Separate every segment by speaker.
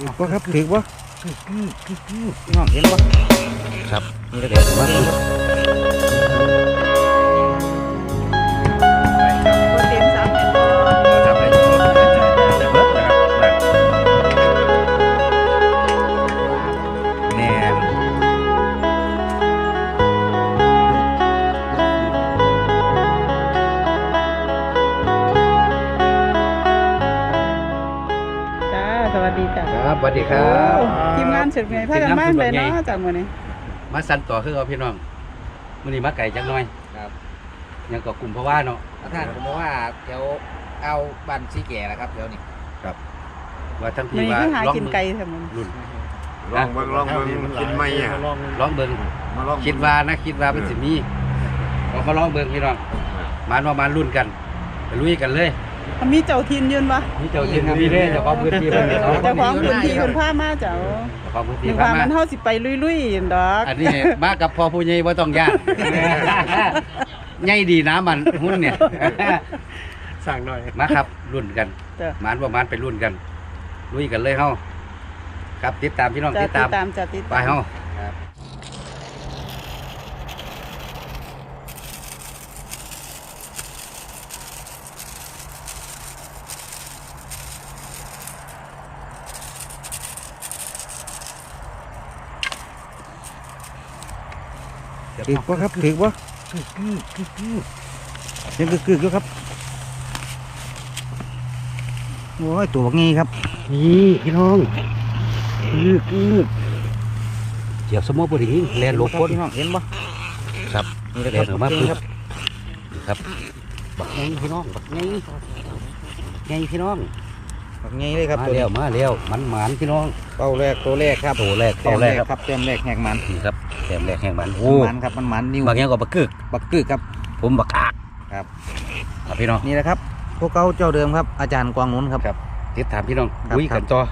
Speaker 1: ถือว่าครับถือว่าน้องเห็นว่าครับนี่ก็เดี๋ยวมาครับ
Speaker 2: เต็มสามเป็นบ่
Speaker 1: ทำอะไรอยู่จะเบิดนะครับแน่น
Speaker 2: จ้าสวัสดีจ้า
Speaker 1: ครับสวัสดีครับ
Speaker 2: ทีมงานเสร็จไงพากันมากเลยเนาะจากมื้อนี้
Speaker 1: มาสั่นต่อคือเอาพี่น้องมื้อนี้มาไก่จังหน่อย
Speaker 3: ครับ
Speaker 1: ยังก็กลุ่มเพราะว่าเนาะ
Speaker 3: ท่านผมบอกว่าแถวเอาบ้านซีแก่แล้วครับแถวนี้
Speaker 1: ว่าทั้ง
Speaker 2: มื้
Speaker 1: ที่
Speaker 2: อนี้
Speaker 1: ว่า
Speaker 2: คือหา
Speaker 1: ลอง
Speaker 2: กินไก่ซั่นมื้อ
Speaker 1: รุ่น
Speaker 4: ลองเบิ่งกินไหมอ่ะ
Speaker 1: ลองเบิ่ง
Speaker 4: มาลอง
Speaker 1: คิดว่ามันสิมีเราก็ลองเบิ่งพี่น้องมารุ่นกันไปลุยกันเลย
Speaker 2: มันมีเจ้าถิ่นยืนบ่
Speaker 1: นี่เจ้าถิ่นมีเด้เจ้าของพื้นที่เพิ่นเนาะ
Speaker 2: เจ้าของพื้นที่เพิ่นพามาเจ้า
Speaker 1: เจ้าของพื้น
Speaker 2: นึ
Speaker 1: ที่
Speaker 2: ก
Speaker 1: พา
Speaker 2: ว่า
Speaker 1: มา
Speaker 2: มันเฮาสิไปลุยๆดอก
Speaker 1: อันนี้มากับพ่อผู้ใหญ่บ่ต้องยากใหญ่ดีนะมันหุ้นเนี่ย
Speaker 4: สั่งหน่อย
Speaker 1: มาครับรุ่นกัน
Speaker 2: จ้ะ
Speaker 1: หมานประมาณไปรุ่นกันลุยกันเลยเฮาครับติดตามพี่น้อง
Speaker 2: จะ
Speaker 1: ติดตาม
Speaker 2: จะติด
Speaker 1: ไป
Speaker 2: ตาม
Speaker 1: เฮา ถือว่าครับถือว่ายังกึกๆอยู่ครับโอ้ยตัวงี้ครับนี่พี่น้องกึกเจียบสมอพอดีแลนหลบพ้นพี่น้องเห็นปะครับนี่แหละครับมาปุ๊บครับบักไงพี่น้องบักไงพี่น้องบักไงเลยครับมาแล้วมันพี่น้องเป้าแรกตัวแรกครับตัวแรกครับเต็มแรกแหกมันนี่ครับเต็มแรกแหกมันโอ้มันครับมันนิ้วบักยังก็บักกึกครับผมบักอักครับพี่น้องนี่แหละครับพวกเขาเจ้าเดิมครับอาจารย์กวางนุ้นครับติดตามพี่น้องคุยกันต่อ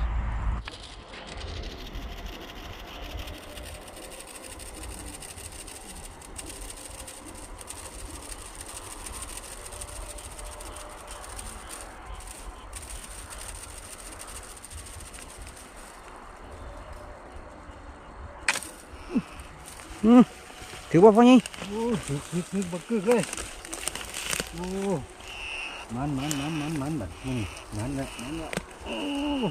Speaker 1: ถือว่าพ่อนี่นึกบักกึกเลยโอ้มันแบบมันละโอ้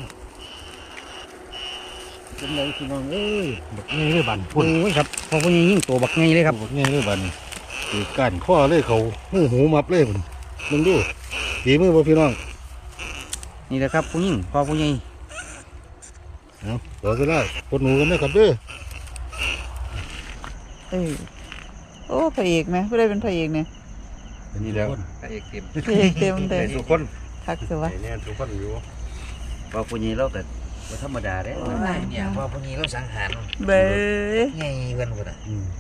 Speaker 1: เป็นไรพี่น้องเอ้ยบักไงเลยบันพุ่นโอ้ยครับพ่อพ่อนี่ยิ่งตัวบักไงเลยครับ
Speaker 4: บักง่ายเลยบัดนี้ตีกันข้อเลยเขาหูมับเลยพุ่นมึงดูตีมือบ่พี่น้อง
Speaker 1: นี่แหละครับผู้หญิงพ่อผู้ใหญ่
Speaker 4: เอาต่อก็ได้คนหนูกันนะครับเด้อ
Speaker 2: โอ้พระเอกไหมผู้ใดเป็นพระเอกเนี่ย
Speaker 1: นี่แล้ว
Speaker 3: พระเอกเต็ม
Speaker 2: พระเอกเต็มเลย
Speaker 1: ทุกคน
Speaker 2: ทักสิวะ
Speaker 4: เนี่ยทุกคนอยู่
Speaker 1: พ่อผู้ใหญ่เราแต่ไม่ธรรมดาเด้
Speaker 3: เนี่ยพอพวกนี้เราสังหาร
Speaker 2: เบ้ย
Speaker 3: ไงเพื่อนคนอ่ะ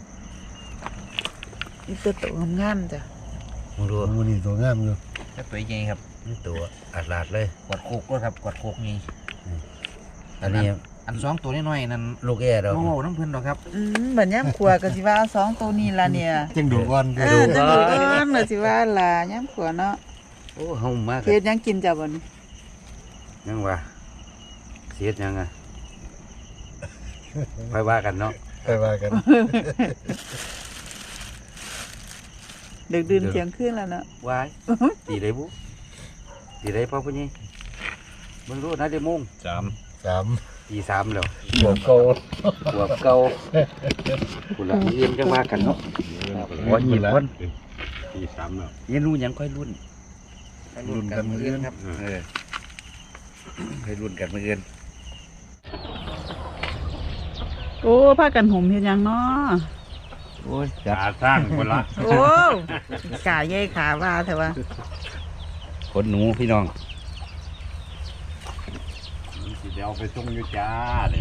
Speaker 2: อีตัวโตงามๆจ้ะ
Speaker 1: มึงดู
Speaker 4: มือนี่ตัวงามอยู่
Speaker 3: ถ้าตัวใหญ่ครับ
Speaker 1: นี่ตัวอัดลาดเลย
Speaker 3: กวาดโคกด้วยครับกวาดโคกนี่
Speaker 1: อันนี้
Speaker 3: อันสองตัวน้อยๆนั่น
Speaker 1: ลูกแอร์เรา
Speaker 3: โอ้น้ำเพื่อนหรอกครับ
Speaker 2: เหมือนย่ำขวก็สิว่าสองตัวนี้ละเนี่ย
Speaker 4: จังดูอ่อน
Speaker 2: จังดูก้อนเลยสิว่าล่ะย่ำขวเนาะ
Speaker 1: โอ้เฮามาก
Speaker 2: เฮ็ดหยังกินจ้ะบ่นี่
Speaker 1: ยังว่าเสียดยังไงไปว่ากันเนาะ
Speaker 4: ไปว่ากัน
Speaker 2: ดึกดื่นเที่ยงคืนแล้วเนาะ
Speaker 1: วายตีได้บุตีได้พ่อผู้ใหญ่มึงรู้นะเดี๋ยวโมง
Speaker 4: สาม
Speaker 1: ตีสามแล้ว
Speaker 4: บวกเก่า
Speaker 1: หัวเก่าคุณละเยี่ยมจังว่ากันเนาะหัวหยิบคน
Speaker 4: ตีสามแล้ว
Speaker 1: เยี่ยรู้ยังค่อยรุ่น
Speaker 3: รุ่นกันมืออื่นครับ
Speaker 1: ค่อยรุ่นกันเมื่อเอิน
Speaker 2: โอ้พากันห่มเฮ็ดหยังเนาะ
Speaker 1: โอ้ย
Speaker 4: ตาสร้างคนละ
Speaker 2: โอ้กาใหญ่ขาว่าแต่ว่า
Speaker 1: ขนหนูพี่น้อง
Speaker 4: สิเดี๋ยวไปส่งอยู่จ้าเนี่ย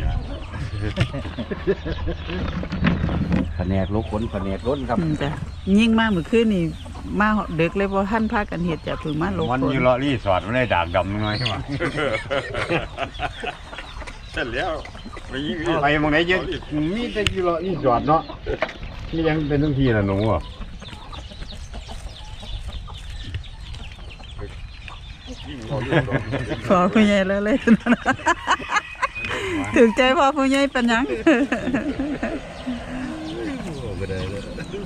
Speaker 1: แผนกลูกขนแผนกล้นครับ
Speaker 2: จ้ะยิ่งมากเมื่อคืนนี่มาเด็กเลยบ่ทันพากันเฮ็ดจ้ะเพิ่งมาลง
Speaker 4: มัน
Speaker 2: ฝน
Speaker 4: อยู่รอรีสอร์ทมันได้ดากดำน้อยใช่ไหมเสร็จแล้วไปมองไหนเยอะมีแต่อยู่รอรีสอร์ทเนาะนี่ยังเป็นทั้งทีนะหนูอ่ะ
Speaker 2: ขอคุณยายแล้วเลยถึงใจพ่อผู้ใหญ่เป็นหยัง
Speaker 1: บ่ได้เลย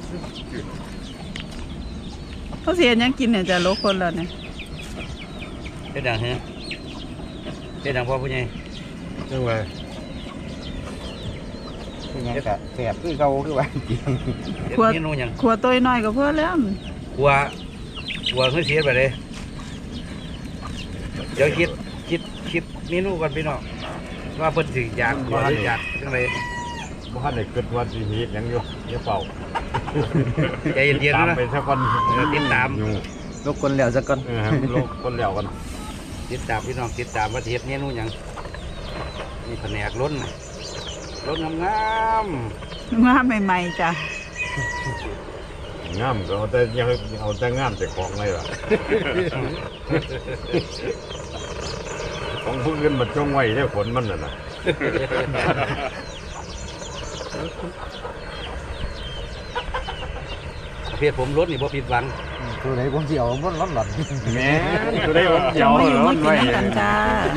Speaker 2: เขาเสียหยังกินเนี่ยจะลกคนแล้วเนี่ย
Speaker 1: เฮ็ดดังฮะเฮ็ดดังพ่อผู้ใหญ่
Speaker 4: จังไว้
Speaker 3: เป็นหยังก็แสบคือเก่าคือว่าจริง
Speaker 1: เฮ็ดเมนูหยัง
Speaker 2: ขวดตัวน้อยก็เพื่อแล้ว
Speaker 1: กลัวเฮ้ยเสียไปเลยเดี๋ยวคิดเมนูก่อนพี่น้องว่าเพิ่นสิอยากบ่อยากจังได๋
Speaker 4: บ่ทันได้เกิดว่าสิเฮ็ดหยังอยู่อย่าเป่า
Speaker 1: ใจเย็นๆ
Speaker 4: ตาม
Speaker 1: นะ
Speaker 4: ไปซะก่อน
Speaker 1: ติดตาม
Speaker 4: อยู่
Speaker 3: ลกคนแล้วซะก่อน
Speaker 4: ให้มันโลกคนแล้วกัน
Speaker 1: ติดตามพี่น้องติดตามว่าสิเฮ็ดเมนูหยังนี่แผนกล้นน่ะล้นงาม
Speaker 2: ว่าใหม่ๆจ้ะ
Speaker 4: งามก็เอาแต่งามแต่ของเลยล่ะ ของผู้อื่นมันจงไว้ได้ผลมันน่ะนะ
Speaker 1: ๆประเภทผมล้นนี่บ่ผิดหวัง
Speaker 3: ตัวไหนผมสิเอามันร้อนหลอน
Speaker 4: แหม่ตัวได้ผมเดี
Speaker 2: จะ
Speaker 4: ยว
Speaker 2: มาอยู่มากิน
Speaker 4: ไว้
Speaker 2: น้ำกันจ้า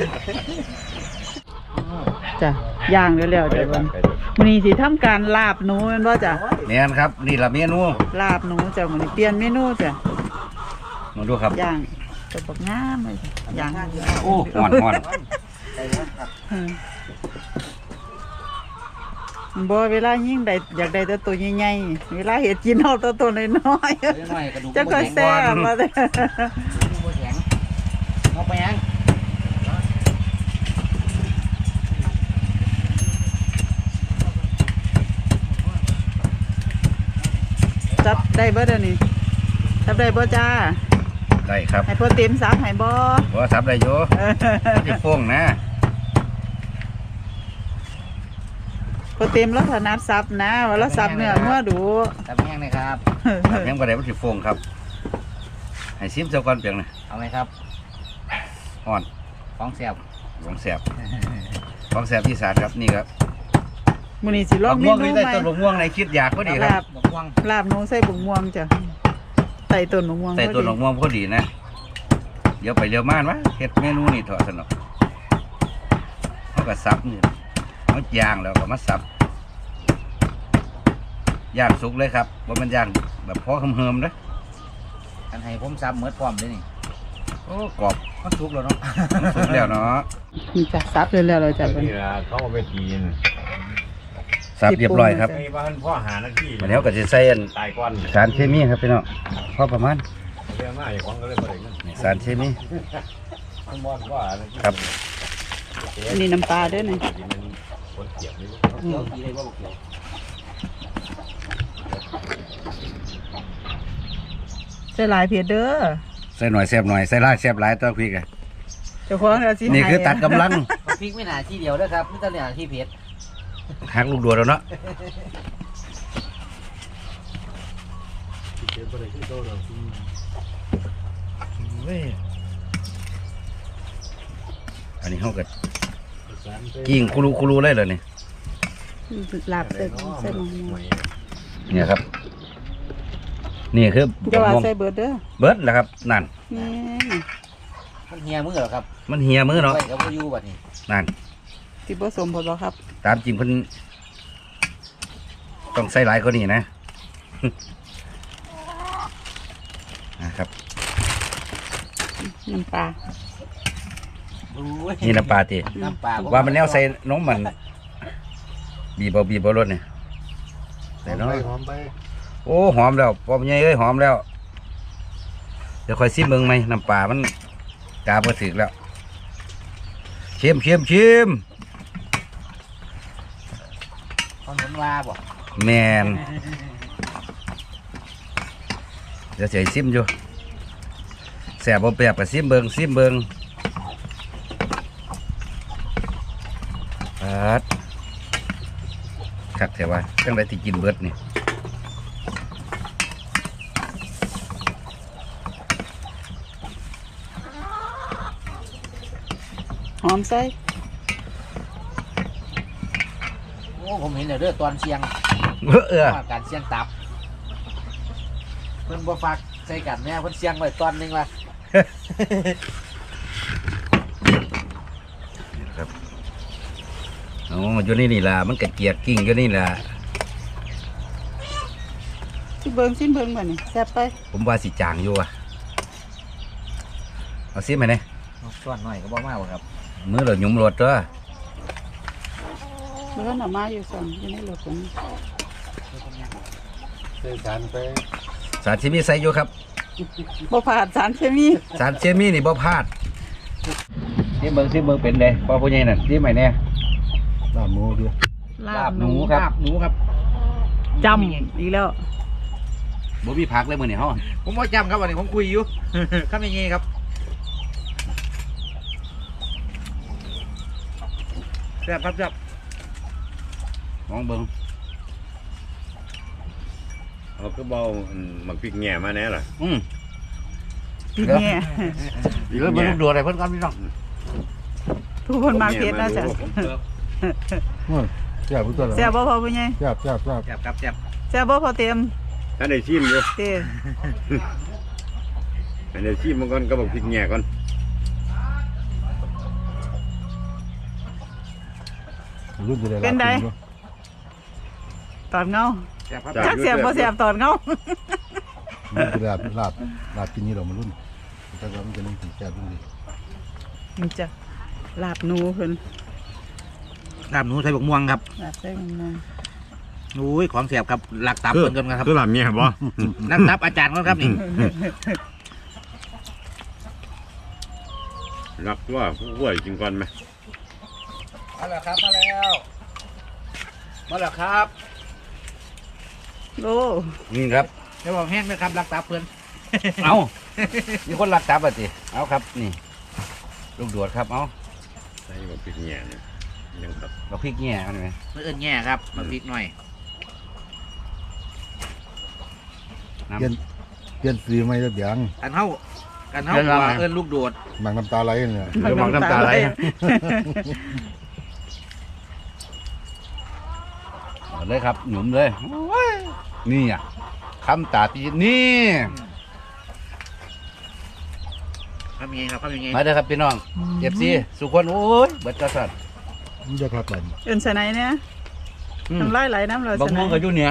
Speaker 2: จ้ะย่างเร็วๆจ้ะวันมื้อนี้สิทำการลาบหนูแม่นบ่จ้ะ
Speaker 1: แม่นครับนี่ล่ะเมนู
Speaker 2: ลาบหนูจ้ะมื้อนี้เปลี่ยนเมนูจ้ะ
Speaker 1: มาดูครับ
Speaker 2: ย่างตัวบักงามเลยจ้ะย่าง
Speaker 1: โอ้ฮ้อน
Speaker 2: อืมบ่เวลายิ่งได้อยากได้แต่ตัวใหญ่ๆเวลาเฮ็ดกินเอาแต่ตัวน้อย
Speaker 3: น้อยกระดูก
Speaker 2: ๆจะค่อยแซ่บมาเด้อ
Speaker 3: บ่แข็งเอาไปยัง
Speaker 2: จับได้บ่เดี๋ยวนี้จับได้บ่จ้า
Speaker 1: ได้ครับ
Speaker 2: ให้พ่อเต็มซับให้บ่
Speaker 1: บ่ซับได้อยู่สิโป่งนะ
Speaker 2: พ่อเต็มแล้วถนัดซับนะว่าแล้วซับเนื้อเมื่อดู
Speaker 3: ทำแห้งเลยครับ
Speaker 1: ครับยังบ่ได้มันสิโป่งครับให้ซิมเจ้าก่อนเพียงนะ
Speaker 3: เอาไหมครับ
Speaker 1: ฮ้อน
Speaker 3: ของแสบ
Speaker 1: ของแซ่บของแซ่บอีสานครับนี่ครับ
Speaker 2: มื้อนี้สิลอ
Speaker 1: บั
Speaker 2: ง
Speaker 1: ก
Speaker 2: เม
Speaker 1: ม่วง
Speaker 2: นู
Speaker 1: นี่
Speaker 2: ให
Speaker 1: ได้
Speaker 2: ม่
Speaker 1: ต้นบักม่วงในคิดอยากพอดีค
Speaker 2: ลา
Speaker 1: รับบ
Speaker 3: บักม่วง
Speaker 2: ลาบหนูใส่บุกม่วงจ้ะใส่ต้นบุกม่วง
Speaker 1: ใส่ต้น
Speaker 2: พ
Speaker 1: บั
Speaker 2: อก
Speaker 1: ม่วงพอดีนะเดี๋ยวไปเร็วมานวะเฮ็ดเมนูนี่เถอะสนุกเขาก็สับนี่เขาย่างแล้วก็มาสับย่างสุกเลยครับว่ามันย่างแบบพอเฮิมๆนะ
Speaker 3: อันให้ผมซับเหมือนพร้อมเลยนี่
Speaker 1: โอ้กรอบ
Speaker 3: มันสุกแล้วเนาะ
Speaker 1: สุกแล้วเนาะ
Speaker 2: นี่จ้ะซับเร็วๆเลยจ้ะ
Speaker 4: นี่ล่ะเขาเอาไปกิน
Speaker 1: สับเรียบร้อยครับ
Speaker 4: ไอ้บ้านพ่อหาหน้าที่
Speaker 1: วันนี้เขาก็จะใส่อัน
Speaker 4: ตายก่อน
Speaker 1: สารเคมีครับพี่น้องพอประมาณ
Speaker 4: เรื่องมาอย่างของก็เลยบ่ได้เงิน
Speaker 1: นี่สารเคมี
Speaker 4: มันบ่ว่าหน้าที่
Speaker 1: ครับ
Speaker 2: อันนี้น้ำปลาเด้วยนี่
Speaker 4: มันคนเกียบนี่
Speaker 3: เกี่ยวกี่เลยว่าบอกเกี่ยว
Speaker 2: ใส่หลายเผ็ดเด้อ
Speaker 1: ใส่หน่อยแซ่บหน่อยใส่หลายแซ่บหลายตัวพริกอะ
Speaker 2: เจ้าของเอาสิ
Speaker 1: นี่คือตัดกำลัง
Speaker 3: พริกไม่หนาที่เดียวด้วยครับไม่ต้องหนาที่เผ็ด
Speaker 1: หักลูกดัวแล้วเนาะอันนี้เขาก็กิ้งคุรูเลยเลยนี่
Speaker 2: ลาบใส่ใส่หมู
Speaker 1: เนี่ยครับ นี่คือ
Speaker 2: จะว่า
Speaker 1: ม่วง
Speaker 2: ใส่เบิดเด้อ
Speaker 1: เบิดแหละครับนั่น
Speaker 2: นี่
Speaker 3: มันเหี่ยมือเหรอครับ
Speaker 1: มันเหี่ยมือเนาะ
Speaker 3: ไปกับพ่อยู่บัดนี้
Speaker 1: นั่น
Speaker 2: สิบ่สมผลบ่ครับ
Speaker 1: ตามจริงเพิ่นต้องใส่หลายกว่านี้นะ นะครับ
Speaker 2: น้ำปลา
Speaker 1: นี่น้ำปลาตี
Speaker 3: น้ำปลา
Speaker 1: ว่ามันแนวใส่นมมัน บีบรสเนี่ยใส่น้อย
Speaker 4: หอมไป
Speaker 1: โอ้หอมแล้วปอมใหญ่เอ้ยหอมแล้ว เดี๋ยวค่อยซิมเบิ่งไหมน้ำปลามันกาบ่ถึกแล้วชิม
Speaker 3: ขนมว่าบ่
Speaker 1: แมนเดี๋ยวเฉยซิมอยู่แสบบ่แปบกับซิมเบิ่งปัดคักแถวว่าจังไดที่กินเบิดนี่
Speaker 2: หอมใส่
Speaker 3: โอ้ผมเห็นแล้วเด้อตอนเชียง ว่าการเชียงตับเพิ่นบ่ฟักใส่กันแน่เพิ่นเชียงไว้ตอนหนึงว่า
Speaker 1: ครับอ๋ออยู่นี่ล่ะมันกระเจียกกิ่งอยู่นี่ล่ะ
Speaker 2: สิเบิ่งบ่นี่แซ่บไป
Speaker 1: ผมว่าสิจางอยู่อ่ะเอาซิมาเนี่ย
Speaker 3: ส่วนหน่อยก็บ่มากครับ
Speaker 1: มือเราหยุ่มรถตัว
Speaker 2: เบิ่งน่ะมาอยู่ซั่นอยู่ในรถผม
Speaker 4: ใส่สารไป
Speaker 1: สารเคมีใส่อยู่ครับ
Speaker 2: บ่ผ่านสารเคมี
Speaker 1: สารเคมีนี่บ่พลาดที่เบิ่งเป็นเลยพ่อผู้ใหญ่นั่นที่ใหม่เนี่ย
Speaker 4: ลาบหมูดิ
Speaker 1: ลาบหนูครับ
Speaker 3: ลาบหนูครับ
Speaker 2: จำอีกแล้ว
Speaker 1: บ่มีผักเลยมื้อนี้เฮา
Speaker 3: ผมบ่จำครับวันนี้ผมคุยอยู่ ครับยังไงครับแซ่บครับแซ่บ
Speaker 1: มองเบิ่ง
Speaker 4: เอาก็เบาหมักพริกแง่มาแน่ล่ะ
Speaker 2: พี่แง่
Speaker 1: เดี๋ยวเบิ่งลูกโดดให้เพิ่นก่อนพี่น้อง
Speaker 2: ทุกคนมาเฮ็ดนะจ๊ะ
Speaker 4: แซ่บตัวละ
Speaker 2: แซ่บบ่พอผู้ใหญ่
Speaker 4: แซ่บ
Speaker 3: แซ่บครับแซ่บ
Speaker 2: แซ่บบ่พอเต็ม
Speaker 4: ถ้าได้ชิมอยู่
Speaker 2: เด้
Speaker 4: ถ้าได้ชิมมันก่อนก็บอกพริกแง่ก่อน
Speaker 2: เป็นไดตอนเงา
Speaker 3: แซ่บครับ
Speaker 2: จักแซ่บบ่แซ่บตอนเงา
Speaker 5: มันคือลาบกินนี่เรามารุ่นแต่ว่ามันจะนึ่งถึงแซ่บรุ่นดี
Speaker 2: มันจะลาบหนูเพิ่น
Speaker 3: ลาบหนูใส่บกม่วงครับ
Speaker 2: ลาบใส่มัน
Speaker 3: อุ้ยของแซ่บครับหลักตับเพิ่นกันครับ
Speaker 4: คือลาบแง่บ่
Speaker 3: หลักตับอาจารย์ก่อนครับนี่
Speaker 4: รักว่าผู้ป่วยกินก่อนไหม
Speaker 3: มาแล้วครับมาแล้วครับ
Speaker 2: โอ้
Speaker 1: นี่ครับ
Speaker 3: เดี๋ยวบอกแห้งนะครับหลักตับเพิ่น
Speaker 1: เอามีคนรักตับอ่ะสิเอาครับนี่ลูกโดดครับเอา
Speaker 4: ใส่บอกพริกแง่เนี่ยยังครับ
Speaker 1: บักพริกแง่เอาหน่อย
Speaker 3: มื้ออื่นแง่ครับมาพริกหน่อย
Speaker 1: น้ำ
Speaker 5: เปลี่ยนสีไม่ได้เบียง
Speaker 3: กันเฮาว่าเอิ้นลูกโดด
Speaker 5: หมักน้ำตาไหลเนี่ย
Speaker 1: เดี๋ยวมองน้ำตาไหลเอาเลยครับหนุ่มเลยโอ้ยนี่อ่ะคำตาปีนี่
Speaker 3: ครับยังไงครับยังไง
Speaker 1: มาเด้อครับพี่น้องเอฟซีสุขคนโอ้ยเบิดกระสัด
Speaker 5: มันจะครับไป
Speaker 2: เอิ้นสไนเนี่ยน้ำลายไหลน้ำเรา
Speaker 1: บัก
Speaker 2: สไน
Speaker 1: ม่วงก็อยู่เนี่ย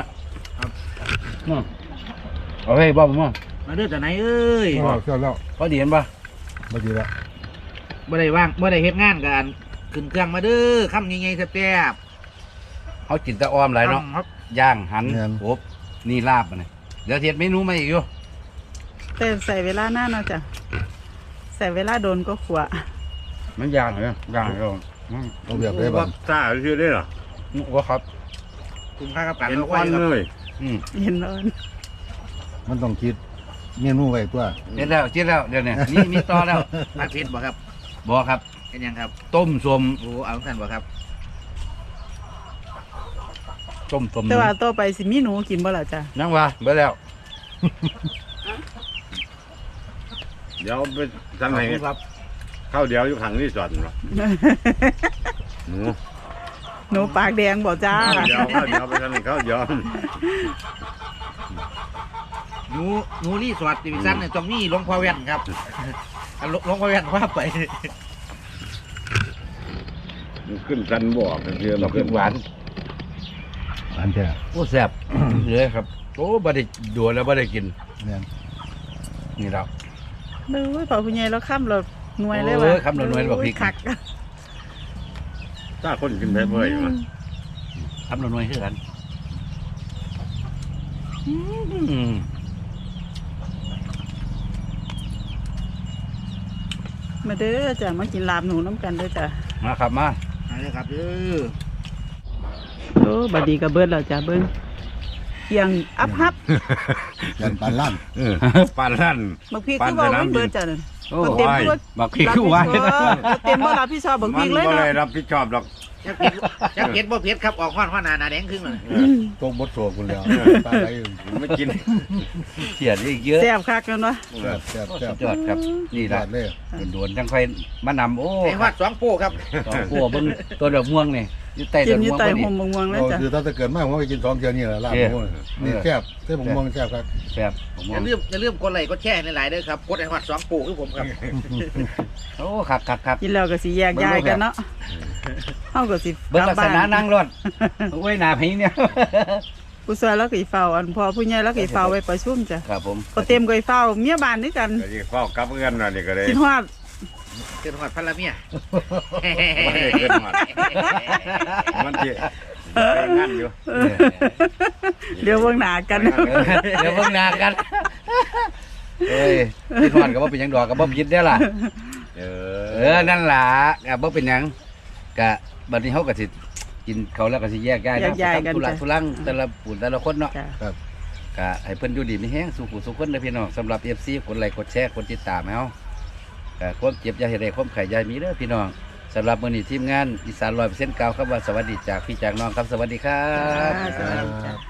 Speaker 1: เอาให้บ่ม่วง
Speaker 3: มาเด้อแต่ไหนเอ้ย
Speaker 5: เจ้าแล้ว
Speaker 1: พอดีเห็นปะ
Speaker 5: มาดีแล้ว
Speaker 3: บ่ได้ว่างบ่ได้เฮ็ดงานกันขึ้นเครื่องมาเด้อคำยังไงแซ่บ
Speaker 1: เขาจินตะออมหลายเนาะ
Speaker 3: ครับ
Speaker 1: ย่างหันโอบนี่ลาบมันเดี๋ยวเทียดเมนูมาอีกอยู่
Speaker 2: แต่ใส่เวลาหน้าเนาะจ้ะใส่เวลาโดนก็ขวะ
Speaker 1: มันย่างเหรอย่างเหรอ
Speaker 5: เอาแบบได้บ้าง
Speaker 4: ซ่าชื่อได้หรอ
Speaker 1: ว่าครับ
Speaker 3: คุ้มค่ากับการ
Speaker 4: เห็น
Speaker 3: เอา
Speaker 4: ค
Speaker 3: ไว้
Speaker 4: วัน
Speaker 3: ครับ
Speaker 4: เลย
Speaker 2: เห็นร้อน
Speaker 5: มันต้องคิดเมนูไว้ตัว
Speaker 1: เห็นแล้วเจ็ดแล้วเดี๋ยวนี้มีต่อแล้ว
Speaker 3: ผัดเผ็ดบ่ครับ
Speaker 1: บ่ครับ
Speaker 3: เป็นยังครับ
Speaker 1: ต้มสม
Speaker 3: โอ้เอาท่านบ่ครับ
Speaker 1: ต้มสม
Speaker 2: แต่ว่าต่อไปสิมีหนูกินบ่ล่ะจ้ะ
Speaker 1: นั่งว่าเบิดแล้ว
Speaker 4: เดี๋ยวไปสั่งให้
Speaker 1: ครับ
Speaker 4: ข้าวเดียวอยู่ขังนี่สอดหรอหนู
Speaker 2: หนูปากแดงบ่จ้า
Speaker 4: ข้าวเดียวไปสั่งให้ข้าวเดียว
Speaker 3: หนูรีสอร์ทดิวิชั่นเนี่ยตรงนี้หลวงพ่อแว่นครับหลวงพ่อแว่นว่าไป
Speaker 4: มันขึ้นสันบ่อกันเชื่อ
Speaker 1: ด
Speaker 4: มั
Speaker 1: อก
Speaker 4: น
Speaker 1: พริ
Speaker 4: ขึ้น
Speaker 1: กหวาน
Speaker 5: อันแท้
Speaker 1: โอ้แซ่บเลยครับโอ้บ่ได้ดูแล้วบ่ได้กิน
Speaker 5: เนี่ย
Speaker 1: นี่แล้ว
Speaker 2: เด้อพอผู้ใหญ่แล้วค่ำเราหน่วยเลย
Speaker 1: เอ
Speaker 2: ว่ะ
Speaker 1: อค่ำเราหน่วยแล้วบอกพริก
Speaker 2: คัก
Speaker 4: ถ้าคนกินได้บ่อยมา
Speaker 1: ทำหน่วยคือกันม
Speaker 2: มาเด้อจ้ะมากินลาบหนูน้ำกันเด้อจ้ะ
Speaker 1: มาครับมา
Speaker 3: เอาเลยครับเด้อ
Speaker 2: โอ้บัดดีก็เบิดแล้วจ้ะเบิ่งเคียงอัพฮับ
Speaker 5: ยันปานลั่น
Speaker 4: ปานลั่น
Speaker 2: บักพริกคือว่ามันเบิดจ้ะนั่น
Speaker 1: โอ้
Speaker 2: เต็มตัว
Speaker 1: บักพริกคือหวาน
Speaker 2: เต็มบ่รับผิดชอบบักพ
Speaker 4: มั
Speaker 2: ริ
Speaker 4: น
Speaker 2: กเลย
Speaker 4: บ่
Speaker 2: เนาะ
Speaker 4: ได้รับผิดชอบหรอก
Speaker 3: จักเผ็ดบ่เผ็ดครับออกห้อนหนาแดงครึ่งเลย
Speaker 5: ตกบดโศกคุณแล้วตาไหล
Speaker 4: ไม่กิน
Speaker 1: เขียนอีกเยอะ
Speaker 2: แซ่บคักกันวะ
Speaker 5: แซ่บแซ่บ
Speaker 1: โอ้
Speaker 5: แซ่
Speaker 1: สุ
Speaker 5: บ
Speaker 1: ดยอดครับนี่
Speaker 5: ย
Speaker 1: ละ
Speaker 5: อดเลย
Speaker 1: ด่วนๆจังค่อยมานำโอ้
Speaker 3: ไอ้ฮอด2โป้ครับ
Speaker 1: ต่อขัวเบิ่งตัวดอกม่วงนี่อยู่ใต้
Speaker 2: กิ
Speaker 1: ต้
Speaker 2: น
Speaker 1: น
Speaker 2: อยู่
Speaker 1: ม่วง
Speaker 2: ใต้
Speaker 1: พอดี
Speaker 2: ห่มม่วงๆเลย
Speaker 5: เรา
Speaker 2: จ้ะ
Speaker 5: คือถ้าเกิดมากผมก็กิน2เที่ยวนี่แหละลาบหมูนี่แซ่บเส้นม่วงแซ่บครับ
Speaker 1: แซ่บของม่ว
Speaker 3: อง ย่าลืมกดไลค์กดแชร์หลายๆเด้อครับกดไอ้ฮอด2โป้คือผมครับ
Speaker 1: โอ้ครับ
Speaker 2: กินแล้วก็สิแยกย้ายกันเนาะเฮาก็สิ
Speaker 1: เบิ่งลักษณะ
Speaker 2: กบ้
Speaker 1: นั่งรถโอ้ยหน้าพิงเนี่ย
Speaker 2: ผู้ช่วยแล้วก็อีเฝ้าอันพอผู้ใหญ่แล้วก็อีเฝ้าไว้ประชุมจ้ะ
Speaker 1: ครับผม
Speaker 2: ก็เต็มก็อีเฝ้าเมียบ้านด้วยกัน
Speaker 4: ก็สิเฝ้ากับเอื้อนน่ะนี่ก็เลย
Speaker 2: คิดฮอด
Speaker 3: เกิดหอดพันละเมีย
Speaker 4: บ่ได้เกินหมดมันสิไปงานอยู่
Speaker 2: เดี๋ยวเบิ่งหน้ากัน
Speaker 1: เดี๋ยวเบิ่งหน้ากันเอ้ยพี่ทอดก็บ่เป็นหยังดอกก็บ่ผิดเด้อล่ะ
Speaker 4: เอ
Speaker 1: นั่นล่ะก็บ่เป็นหยังก็บัดนี้เฮาก็สิกินเขาวแล้วก็สิแยกย้าย
Speaker 2: แยกย้ายกัน
Speaker 1: ทุลัก
Speaker 2: จ้ะ
Speaker 1: ทุลังแต่ละปุ่นแต่ละคนเนาะ
Speaker 2: จ้ะ
Speaker 5: ครับ
Speaker 1: ก็ให้เพิ่นอยู่ดีมีแฮงสู่ผู้สู่คนเด้อพี่น้องสำหรับ FC กดไลค์กดแชร์กดติดตามให้เฮาก็ความเจ็บอย่าให้ได้ความไข้อย่าให้มีเด้อพี่น้องสำหรับมื้อนี้ทีมงานอีสาน100%กล่าวคำว่าสวัสดีจากพี่จากน้องครับสวัสดีครับ
Speaker 2: สวัสดีจ้ะ